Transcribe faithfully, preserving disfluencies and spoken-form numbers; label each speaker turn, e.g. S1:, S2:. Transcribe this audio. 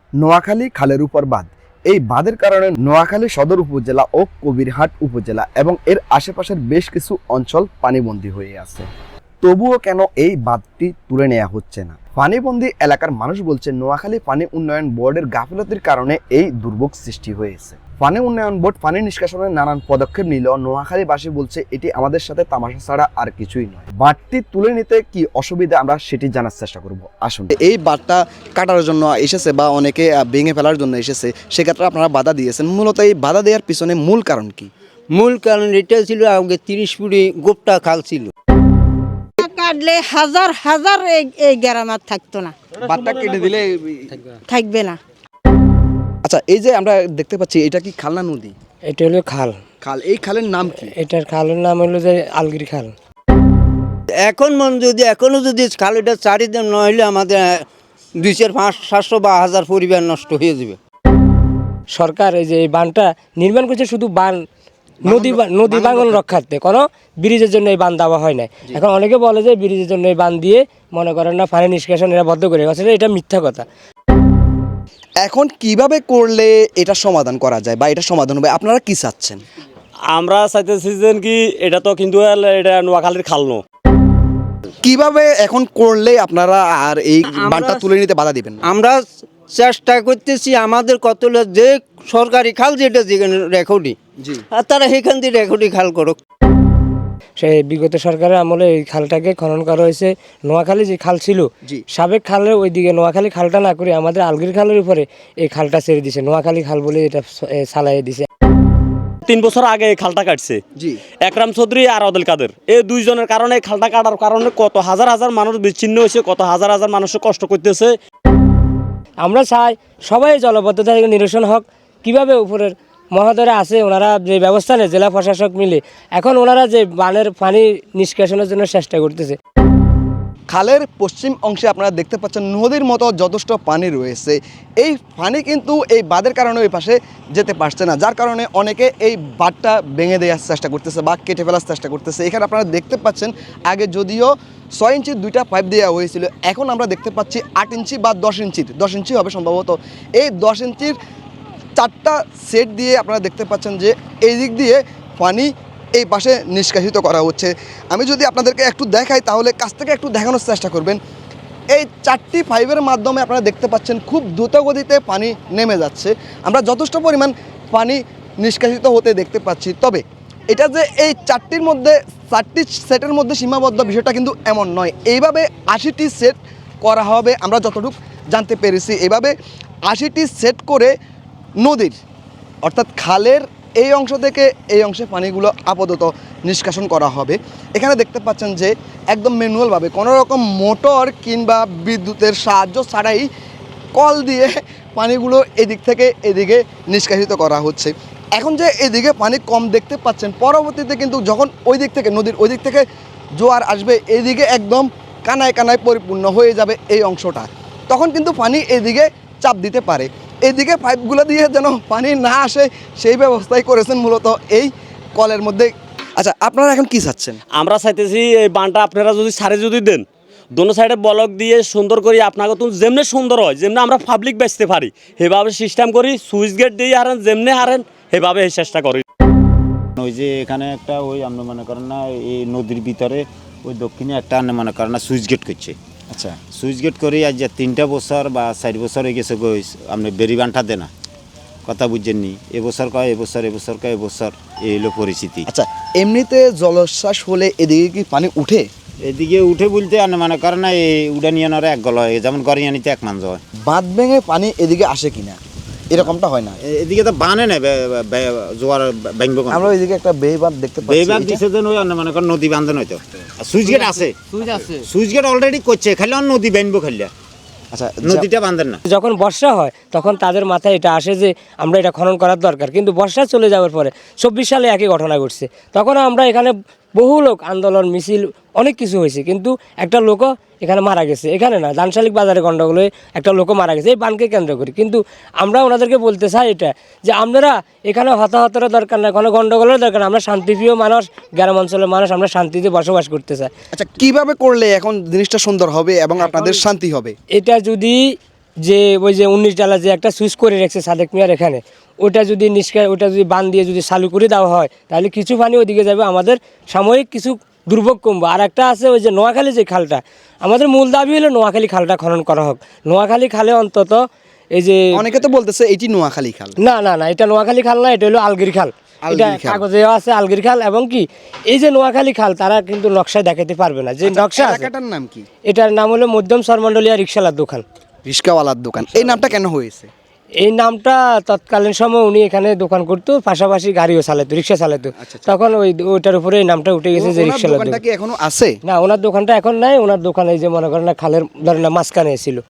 S1: নোয়াখালী খালের উপর বাঁধ। এই বাঁধের কারণে নোয়াখালী সদর উপজেলা ও কবিরহাট উপজেলা এবং এর আশেপাশের বেশ কিছু অঞ্চল পানিবন্দী হয়ে আছে। তবুও কেন এই বাঁধটি তুলে নেওয়া হচ্ছে না? পানিবন্দী এলাকার মানুষ বলছে নোয়াখালী পানি উন্নয়ন বোর্ডের গাফিলতির কারণে এই দুর্ভোগ সৃষ্টি হয়েছে। পানি উন্নয়ন বোর্ড পানি নিষ্কাশনের নানান পদক্ষেপ নিলেও নোয়াখালীবাসী বলছে এটি আমাদের সাথে তামাশা ছাড়া আর কিছুই নয়। বাঁধটি তুলে নিতে কি অসুবিধা আমরা সেটি জানার চেষ্টা করব। আসুন। এই বাঁধটা কাটার জন্য এসেছে বা অনেকে ভেঙে ফেলার জন্য এসেছে, সেক্ষেত্রে আপনারা বাধা দিয়েছেন। মূলত এই বাধা দেওয়ার পিছনে মূল কারণ কি?
S2: মূল কারণ এটা ছিল আগে তিরিশ ফুটি গোপটা খাল ছিল, কাটলে হাজার হাজার এই গ্রামার থাকতো না,
S1: বাঁধটা কেটে দিলে
S2: থাকবে না।
S1: আচ্ছা, এই যে আমরা দেখতে পাচ্ছি এটা কি খাল না নদী?
S3: এটা হলো খাল।
S1: খাল। এই খালের নাম কি?
S3: এটার খালের নাম হলো যে আলগির খাল।
S2: এখন মন যদি এখনো যদি খাল এটা চারিদিন নইলে আমাদের দুই চার পাঁচ সাতশো বা হাজার পরিবার নষ্ট হয়ে যাবে।
S3: সরকার এই যে এই বাঁধটা নির্মাণ করছে শুধু বান নদী নদী ভাঙন রক্ষার্থে, কোনো ব্রিজের জন্য এই বাঁধ দেওয়া হয় না। এখন অনেকে বলে যে ব্রিজের জন্য এই বাঁধ দিয়ে মনে করেন না পানি নিষ্কাশন এরা বদ্ধ করে গেছে, এটা মিথ্যা কথা।
S1: এখন কিভাবে করলে এটা সমাধান করা যায় বা এটা সমাধান হবে, আপনারা কি চাচ্ছেন?
S4: আমরা চাইতেছি যে কি এটা তো কিন্তু এটা নোয়াখালীর খাল নো,
S1: কিভাবে এখন করলে আপনারা আর এই বাঁধটা তুলে নিতে বাধা দিবেন?
S2: আমরা চেষ্টা করতেছি আমাদের কত যে সরকারি খাল যেটা যেখানে রেকর্ডি, আর তারা সেখান দিয়ে রেকর্ডি খাল করুক।
S3: সেই বিগত সরকারের আমলে এই খালটাকে খনন করা হয়েছে। নোয়াখালী যে খাল ছিল সাবেক খালের ওইদিকে নোয়াখালী খালটা না করে আমাদের আলগির খালের উপরে এই খালটা ছেড়ে দিছে, নোয়াখালী খাল বলে এটা চালাই দিছে।
S4: তিন বছর আগে এই খালটা কাটছে একরাম চৌধুরী আর আদিল কাদের, এই দুইজনের কারণে এই খালটা কাটার কারণে কত হাজার হাজার মানুষ বিচ্ছিন্ন হয়েছে, কত হাজার হাজার মানুষ কষ্ট করতেছে।
S3: আমরা চাই সবাই জলবদ্ধতা থেকে নিরসন হোক। কিভাবে উপরের মহোদয়রা আছে ওনারা যে ব্যবস্থা নেয় জেলা প্রশাসক মিলে, এখন ওনারা যে বানের পানি নিষ্কাশনের জন্য চেষ্টা করতেছে।
S1: খালের পশ্চিম অংশে আপনারা দেখতে পাচ্ছেন নদীর মতো যথেষ্ট পানি রয়েছে। এই পানি কিন্তু এই বাঁধের কারণে ওই পাশে যেতে পারছে না, যার কারণে অনেকে এই বাঁধটা ভেঙে দেওয়ার চেষ্টা করতেছে বা কেটে ফেলার চেষ্টা করতেছে। এখানে আপনারা দেখতে পাচ্ছেন আগে যদিও ছয় ইঞ্চির দুইটা পাইপ দেওয়া হয়েছিল, এখন আমরা দেখতে পাচ্ছি আট ইঞ্চি বা দশ ইঞ্চির দশ ইঞ্চি হবে সম্ভবত। এই দশ ইঞ্চির চারটা সেট দিয়ে আপনারা দেখতে পাচ্ছেন যে এই দিক দিয়ে পানি এই পাশে নিষ্কাশিত করা হচ্ছে। আমি যদি আপনাদেরকে একটু দেখাই তাহলে কাছ থেকে একটু দেখানোর চেষ্টা করবেন। এই চারটি পাইপের মাধ্যমে আপনারা দেখতে পাচ্ছেন খুব দ্রুত গতিতে পানি নেমে যাচ্ছে, আমরা যথেষ্ট পরিমাণ পানি নিষ্কাশিত হতে দেখতে পাচ্ছি। তবে এটা যে এই চারটির মধ্যে চারটি সেটের মধ্যে সীমাবদ্ধ বিষয়টা কিন্তু এমন নয়, এইভাবে আশিটি সেট করা হবে আমরা যতটুকু জানতে পেরেছি। এভাবে আশিটি সেট করে নদীর অর্থাৎ খালের এই অংশ থেকে এই অংশে পানিগুলো আপাতত নিষ্কাশন করা হবে। এখানে দেখতে পাচ্ছেন যে একদম ম্যানুয়ালভাবে কোনো রকম মোটর কিংবা বিদ্যুতের সাহায্য ছাড়াই কল দিয়ে পানিগুলো এদিক থেকে এদিকে নিষ্কাশিত করা হচ্ছে। এখন যে এদিকে পানি কম দেখতে পাচ্ছেন, পরবর্তীতে কিন্তু যখন ওই দিক থেকে নদীর ওই দিক থেকে জোয়ার আসবে এদিকে একদম কানায় কানায় পরিপূর্ণ হয়ে যাবে এই অংশটা, তখন কিন্তু পানি এদিকে চাপ দিতে পারে। এদিকে পাইপগুলো দিয়ে যেন পানি না আসে সেই ব্যবস্থাই করেছেন মূলত এই কলের মধ্যে। আচ্ছা, আপনারা এখন কি চাচ্ছেন?
S4: আমরা চাইতেছি এই বানটা আপনারা যদি সারে যদি দেন, দোনো সাইডে ব্লক দিয়ে সুন্দর করি আপনাকে তো যেমনি সুন্দর হয়, যেমনি আমরা পাবলিক বেচতে পারি সেভাবে সিস্টেম করি, সুইচ গেট দিয়ে হারেন যেমনি হারেন সেভাবে এই চেষ্টা করি।
S5: ওই যে এখানে একটা ওই আপনি মনে করেন না এই নদীর ভিতরে ওই দক্ষিণে একটা আপনি মনে করেন না সুইচ গেট করছে। আচ্ছা, সুইচ গেট করে আজ যে তিনটা বছর বা চার বছর হয়ে গেছে গই আপনি বেরি বানটা দেনা কথা বুঝছেননি, এবছর কয় এবছর এবছর কয় এবছর এই হলো পরিস্থিতি।
S1: আচ্ছা, এমনিতে জলোচ্ছ্বাস হলে এদিকে কি পানি উঠে?
S5: এদিকে উঠে বলতে আপনি মনে করেন না এই উড়ানিয়ানোর এক গল হয়, যেমন গরিয়ানিতে এক মাঞ্জ হয়।
S1: বাঁধ ভেঙে পানি এদিকে আসে কিনা এরকমটা হয় না?
S5: এদিকে তো বানে না জোয়ার ব্যাংব,
S1: আমরা ওইদিকে একটা বে বাঁধ দেখতে পাচ্ছি।
S5: বে বাঁধ দিছে যেন ওই আপনি মনে করেন নদী বান্ধন হয়তো সুইচ গেট আছে, সুইচ গেট অলরেডি করছে, খালি নদী ব্যাংব খালি। আচ্ছা, নদীটা বাঁধেন না।
S3: যখন বর্ষা হয় তখন তাদের মাথায় এটা আসে যে আমরা এটা খনন করার দরকার, কিন্তু বর্ষা চলে যাওয়ার পরে চব্বিশ সালে একই ঘটনা ঘটছে। তখন আমরা এখানে বহু লোক আন্দোলন মিছিল অনেক কিছু হয়েছে, কিন্তু একটা লোকও এখানে মারা গেছে। এখানে না, দানশালিক বাজারে গন্ডগোলে একটা লোকও মারা গেছে এই বানকে কেন্দ্র করি। কিন্তু আমরা ওনাদেরকে বলতে চাই এটা যে আপনারা এখানে হতাহতের দরকার না, কোনো গন্ডগোলের দরকার না, আমরা শান্তিপ্রিয় মানুষ, গ্রাম অঞ্চলের মানুষ, আমরা শান্তিতে বসবাস করতে চাই।
S1: আচ্ছা, কিভাবে করলে এখন জিনিসটা সুন্দর হবে এবং আপনাদের শান্তি হবে?
S3: এটা যদি যে ওই যে উনিশ ডালা যে একটা সুইচ করে রেখেছে সাদেক মিয়ার এখানে, ওটা যদি নিষ্কার ওটা যদি বান দিয়ে যদি চালু করে দেওয়া হয় তাহলে কিছু পানি ওইদিকে যাবে, আমাদের সাময়িক কিছু দুর্ভোগ কমবে। আর একটা আছে ওই যে নোয়াখালী যে খালটা, আমাদের মূল দাবি হলো নোয়াখালী খালটা খনন করা হোক। নোয়াখালী খালে অন্তত এই যে
S1: অনেকে তো বলতেছে এটি নোয়াখালী খাল।
S3: না না না এটা নোয়াখালী খাল না, এটা হলো আলগির খাল। এটা
S1: আলগির খাল।
S3: কাগজে আছে আলগির খাল। এবং কি এই যে নোয়াখালী খাল তারা কিন্তু নকশায় দেখাতে পারবে না যে নকশা আছে।
S1: এলাকাটার নাম কি?
S3: এটার নাম হলো মধ্যম সরমন্ডলিয়া রিক্সালার দোকান।
S1: রিস্কাওয়ালার দোকান। এই নামটা কেন হয়েছে?
S3: এই নামটা তৎকালীন সময় উনি এখানে দোকান করতো, পাশাপাশি গাড়িও চালাতো, রিক্সা চালাতো, তখন ওই ওইটার উপরে এই নামটা উঠে গেছে যে
S1: ওনার
S3: রিক্সালার
S1: দোকানটা
S3: দোকান।
S1: কি এখনো আছে?
S3: না ওনার দোকানটা এখন নাই, ওনার দোকান এই যে মনে করেন না খালের ধরেন না মাঝখানে ছিল।